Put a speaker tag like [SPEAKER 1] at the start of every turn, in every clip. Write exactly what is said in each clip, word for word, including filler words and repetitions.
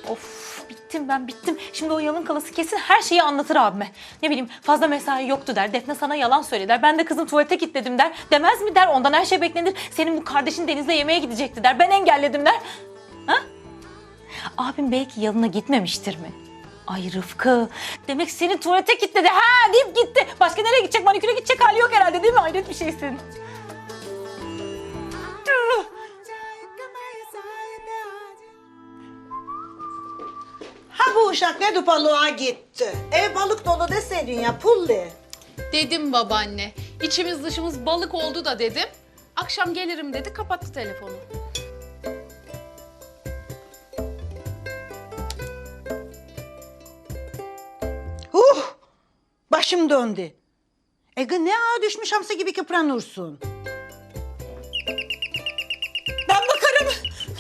[SPEAKER 1] Of bittim ben bittim. Şimdi o yalın kalası kesin her şeyi anlatır abime. Ne bileyim fazla mesai yoktu der. Defne sana yalan söyledi der. Ben de kızım tuvalete kilitledim der. Demez mi der. Ondan her şey beklenir. Senin bu kardeşin Deniz'le yemeğe gidecekti der. Ben engelledim der. Ha? Abim belki yalına gitmemiştir mi? Ay Rıfkı. Demek seni tuvalete kilitledi. Ha deyip gitti. Başka nereye gidecek? Maniküre gidecek hali yok herhalde değil mi? Hayret bir şeysin.
[SPEAKER 2] Ha bu uşak ne balığa gitti? Ev balık dolu deseydin ya pulli.
[SPEAKER 3] Dedim babaanne. İçimiz dışımız balık oldu da dedim. Akşam gelirim dedi, kapattı telefonu.
[SPEAKER 2] Huh! Başım döndü. Ege ne ağa düşmüş hamsi gibi kıpranırsın.
[SPEAKER 1] Ben bakarım.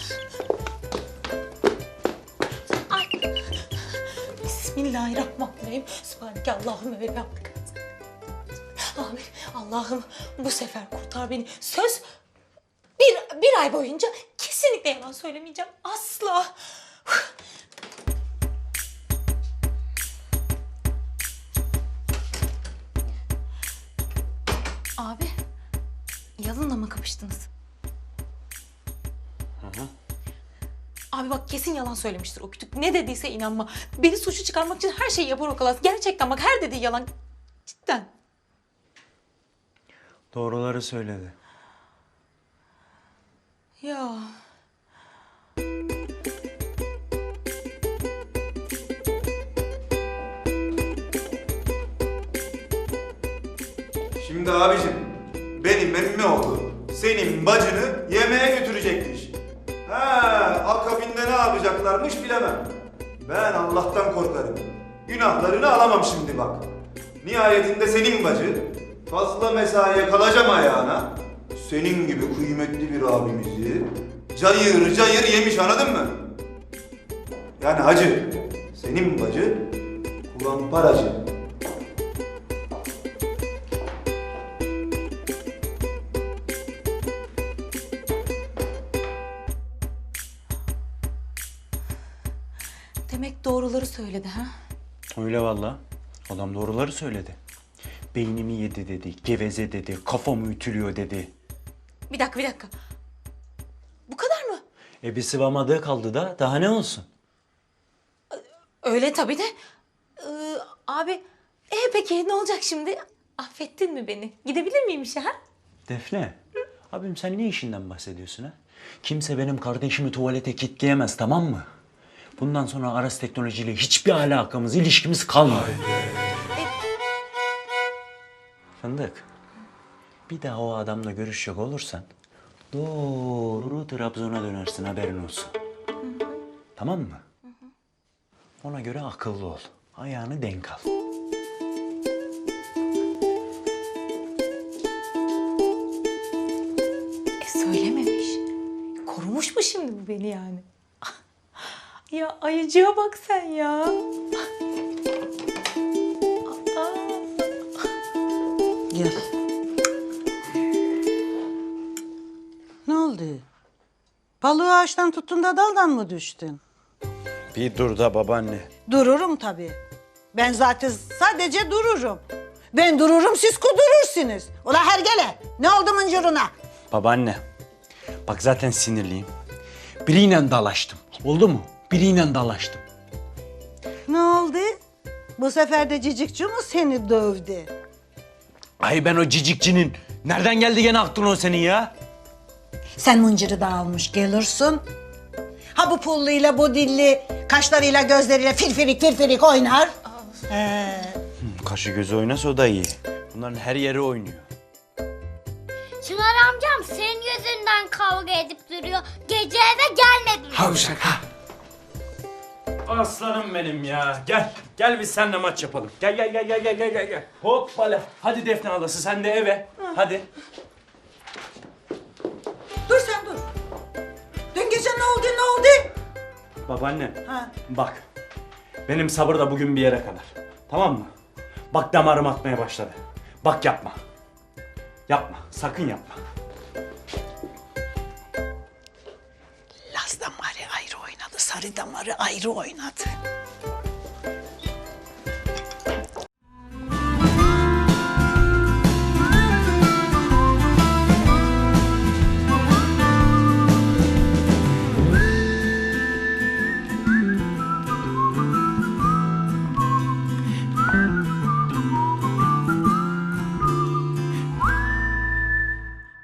[SPEAKER 1] Ay. Bismillahirrahmanirrahim. Sübhaneke Allahümme ve bihamdike. Amin. Allah'ım bu sefer kurtar beni. Söz bir, bir ay boyunca kesinlikle yalan söylemeyeceğim. Asla. Abi, yalınla mı kapıştınız? Hı hı. Abi bak kesin yalan söylemiştir o kütük. Ne dediyse inanma. Beni suçlu çıkarmak için her şeyi yapar o kalas. Gerçekten bak her dediği yalan. Cidden.
[SPEAKER 4] Doğruları söyledi.
[SPEAKER 1] Ya.
[SPEAKER 5] Şimdi abicim, benim emmi oğlu senin bacını yemeğe götürecekmiş. Ha, akabinde ne yapacaklarmış bilemem. Ben Allah'tan korkarım. Günahlarını alamam şimdi bak. Nihayetinde senin bacı fazla mesaiye kalacağım ayağına. Senin gibi kıymetli bir abimizi cayır cayır yemiş, anladın mı? Yani hacı, senin bacı kulamparacı.
[SPEAKER 1] Demek doğruları söyledi ha?
[SPEAKER 4] Öyle valla. Adam doğruları söyledi. Beynimi yedi dedi, geveze dedi, kafamı ütülüyor dedi.
[SPEAKER 1] Bir dakika bir dakika. Bu kadar mı?
[SPEAKER 4] E bir sıvamadığı kaldı da daha ne olsun?
[SPEAKER 1] Öyle tabii de. Ee, abi e peki ne olacak şimdi? Affettin mi beni? Gidebilir miyim işe ha?
[SPEAKER 4] Defne, abim sen ne işinden bahsediyorsun ha? Kimse benim kardeşimi tuvalete kilitleyemez, tamam mı? Bundan sonra Aras Teknoloji ile hiçbir alakamız, ilişkimiz kalmadı. Fındık, bir daha o adamla görüşecek olursan doğru Trabzon'a dönersin, haberin olsun. Tamam mı? Ona göre akıllı ol. Ayağını denk al.
[SPEAKER 1] E söylememiş. Korumuş mu şimdi bu beni yani? Ya ayıcığa bak sen ya. Aa.
[SPEAKER 2] Gel. Ne oldu? Balığı ağaçtan tuttun da daldan mı düştün?
[SPEAKER 4] Bir dur da babaanne.
[SPEAKER 2] Dururum tabii. Ben zaten sadece dururum. Ben dururum, siz kudurursunuz. Ula hergele, ne oldu mıncırına?
[SPEAKER 4] Babaanne, bak zaten sinirliyim. Biriyle dalaştım. Oldu mu? Biriyle dalaştım.
[SPEAKER 2] Ne oldu? Bu sefer de cicikçi mu seni dövdü?
[SPEAKER 4] Ay ben o cicikçinin. Nereden geldi gene aklın o senin ya?
[SPEAKER 2] Sen mıncırı da almış gelirsin. Ha bu pulluyla, bu dilli, kaşlarıyla, gözleriyle firfirik firfirik oynar. Ee,
[SPEAKER 4] Kaşı gözü oynasa o da iyi. Bunların her yeri oynuyor.
[SPEAKER 6] Çınar amcam senin yüzünden kavga edip duruyor. Gece eve gelmedi.
[SPEAKER 4] Havşak ha. Aslanım benim ya. Gel. Gel biz seninle maç yapalım. Gel gel gel gel gel gel gel. gel. Hoppala. Hadi Defne ablası sen de eve. Hadi.
[SPEAKER 2] dur sen dur. Dün gece ne oldu, ne oldu?
[SPEAKER 4] Babaanne.
[SPEAKER 2] Ha.
[SPEAKER 4] Bak. Benim sabır da bugün bir yere kadar. Tamam mı? Bak damarım atmaya başladı. Bak yapma. Yapma. Sakın yapma.
[SPEAKER 2] Laz'dan var ya ayrı oynadı. Sarı damarı ayrı oynadı.